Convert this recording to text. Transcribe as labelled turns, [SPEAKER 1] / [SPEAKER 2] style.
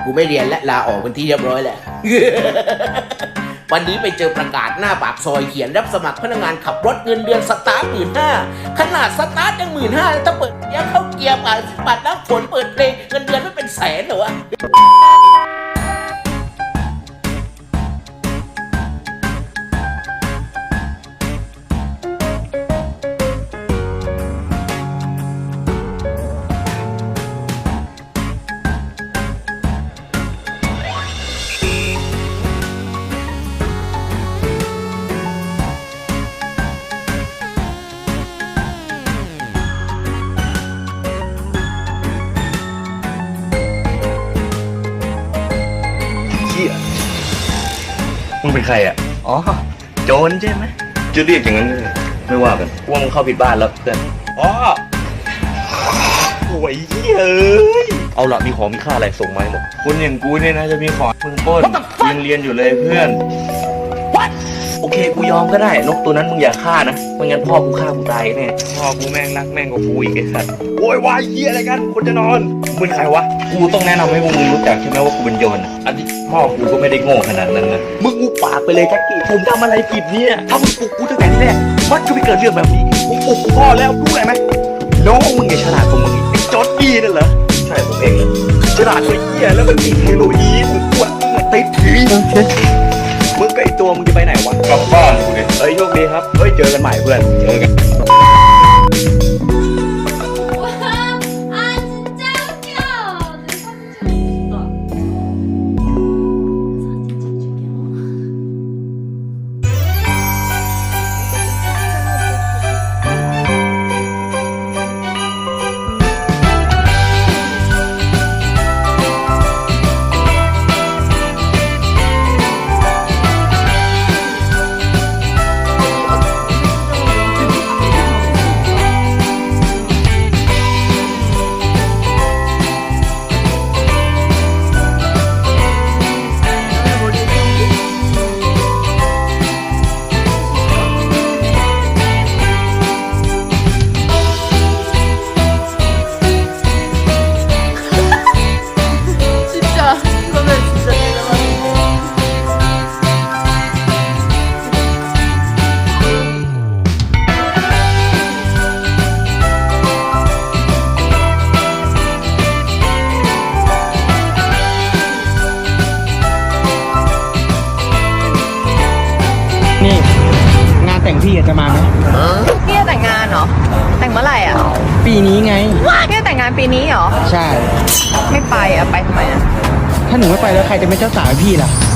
[SPEAKER 1] กูไม่เรียนและลาออกเป็นที่เรียบร้อยแหละ วันนี้ไปเจอประกาศหน้าปากซอยเขียนรับสมัครพนักงานขับรถเงินเดือนสตาร์ท15,000ขนาดสตาร์ทยัง15,000ถ้าเปิดยาเข้าเกียร์ผ่านบัตรน้ำฝนเปิดเพลงเงินเดือนไม่เป็นแสนเหรอวะ
[SPEAKER 2] มึงเป็นใครอ่ะ อ๋อ โจรใช่ไหมจะเรียกอย่างนั้นเลยไม่ว่ากันว่ามึงเข้าผิดบ้านแล้วเพื่อน อ๋อโอ้ยเอ้ยเอาละมีของมีค่าอะไรส่งมาให้หมดคนอย่างกูเนี่ยนะจะมีของมึงปล้นยังเรียนอยู่เลยเพื่อน โอเคกูยอมก็ได้นกตัวนั้นมึงอย่าฆ่านะไม่งั้นพ่อกูฆ่ากูตายแน่พ่อกูแม่งรักแม่งกว่ากูอีกไอ้สัสโวยวายเฮียอะไรกันคนจะนอนมึงเป็นใครวะกูต้องแนะนำให้พวกมึงรู้จักใช่ไหมว่ากูเป็นโยนอันนี้พ่อกูก็ไม่ได้โง่ขนาดนั้นนะมึงกูปากไปเลยแจ็คกี้ผมทำอะไรผิดเนี่ยถ้ามึงปลุกกูตั้งแต่ที่แรกมันก็ไม่เกิดเรื่องแบบนี้มึงปลุกกูพ่อแล้วรู้อะไรไหมน้องมึงไงฉลาดกว่ามึงอีกไอ้จอร์ดดี้นั่นเหรอใช่ผมเองเลยฉลาดกว่าเฮียแล้วมันติดเฮโรอีนมึงอ้วนติดผีมึงกับไอตัวมึงจะไปไหนวะกลับบ้านกูเนี่ยเฮ้ยโชคดีครับเฮ้ยเจอกันใหม่เพื่อนเจอกัน
[SPEAKER 3] 와, 아 진짜 웃겨. 내 사진 찍었어. 사진 찍을게요. 진짜 이거는 진짜 대단하다.
[SPEAKER 4] นี่งานแต่งพี่จะมาไหม
[SPEAKER 5] พี่จะแต่งงานเหรอ แต่งเมื่อไหร่อ่ะ
[SPEAKER 4] ปีนี้ไง
[SPEAKER 5] พี่จะแต่งงานปีนี้เหรอ
[SPEAKER 4] ใช่
[SPEAKER 5] ไม่ไปอ่ะ ไปทำไมอ่ะ
[SPEAKER 4] ถ้าหนูไม่ไปแล้วใครจะเป็นเจ้าสาวให้พี่ล่ะ